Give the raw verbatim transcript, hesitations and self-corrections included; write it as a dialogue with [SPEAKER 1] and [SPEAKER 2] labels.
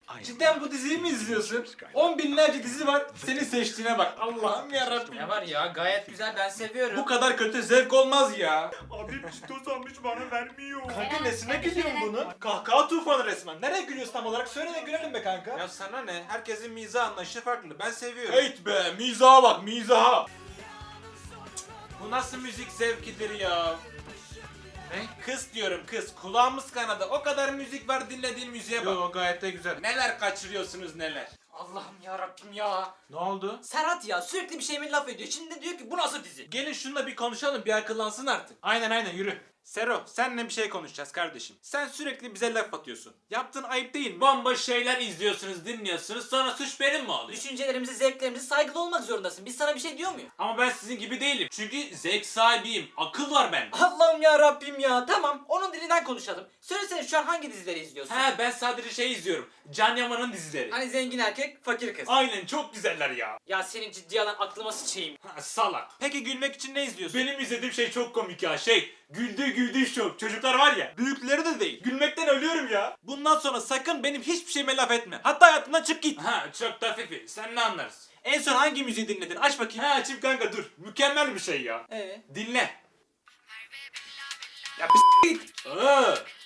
[SPEAKER 1] Cidden bu diziyi mi izliyorsun? On binlerce dizi var. Senin seçtiğine bak. Allah'ım yarabbim.
[SPEAKER 2] Ne var ya, gayet güzel, ben seviyorum.
[SPEAKER 1] Bu kadar kötü zevk olmaz ya.
[SPEAKER 3] Abi çitos almış bana vermiyor.
[SPEAKER 1] Kanka nesine gülüyorsun bunun? Kahkaha tufanı resmen. Nereye gülüyorsun tam olarak? Söyle de gülelim be kanka.
[SPEAKER 4] Ya sana ne? Herkesin mizah anlayışı farklı. Ben seviyorum.
[SPEAKER 1] Heyt be, mizaha bak, mizaha.
[SPEAKER 4] Bu nasıl müzik zevkidir ya?
[SPEAKER 1] Ne?
[SPEAKER 4] Kız diyorum kız. Kulağımız kanadı. O kadar müzik var, dinlediğin müziğe bak.
[SPEAKER 1] Yo, gayet de güzel.
[SPEAKER 4] Neler kaçırıyorsunuz neler.
[SPEAKER 2] Allah'ım yarabbim ya.
[SPEAKER 1] Ne oldu?
[SPEAKER 2] Serhat ya sürekli bir şeyime laf ediyor. Şimdi de diyor ki bu nasıl dizi?
[SPEAKER 1] Gelin şununla bir konuşalım, bir akıllansın artık. Aynen aynen, yürü.
[SPEAKER 4] Sero, seninle bir şey konuşacağız kardeşim. Sen sürekli bize laf atıyorsun. Yaptığın ayıp değil mi?
[SPEAKER 5] Bomboş şeyler izliyorsunuz, dinliyorsunuz. Sonra suç benim mi oluyor?
[SPEAKER 2] Düşüncelerimize, zevklerimize saygılı olmak zorundasın. Biz sana bir şey diyor muyuz?
[SPEAKER 5] Ama ben sizin gibi değilim. Çünkü zevk sahibiyim. Akıl var bende.
[SPEAKER 2] Allah'ım ya Rabbim ya. Tamam, onun dilinden konuşalım. Söylesene şu an hangi dizileri izliyorsun?
[SPEAKER 5] He, ben sadece şey izliyorum. Can Yaman'ın dizileri.
[SPEAKER 2] Hani zengin erkek, fakir kız.
[SPEAKER 5] Aynen, çok güzeller ya.
[SPEAKER 2] Ya senin ciddi alan aklıma sıçayım.
[SPEAKER 5] Ha, salak.
[SPEAKER 4] Peki gülmek için ne izliyorsun?
[SPEAKER 5] Benim izlediğim şey çok komik ya. Şey, güldü güldü show. Çocuklar var ya.
[SPEAKER 4] Büyükleri de değil.
[SPEAKER 5] Gülmekten ölüyorum ya.
[SPEAKER 4] Bundan sonra sakın benim hiçbir şeyime laf etme. Hatta hayatımdan çık git.
[SPEAKER 5] Ha, çok da fifi. Sen ne anlarsın?
[SPEAKER 4] En son hangi müziği dinledin? Aç bakayım.
[SPEAKER 5] Ha, açayım kanka, dur. Mükemmel bir şey ya.
[SPEAKER 2] Ee?
[SPEAKER 4] Dinle.
[SPEAKER 5] Ya bir s*** git. Aa,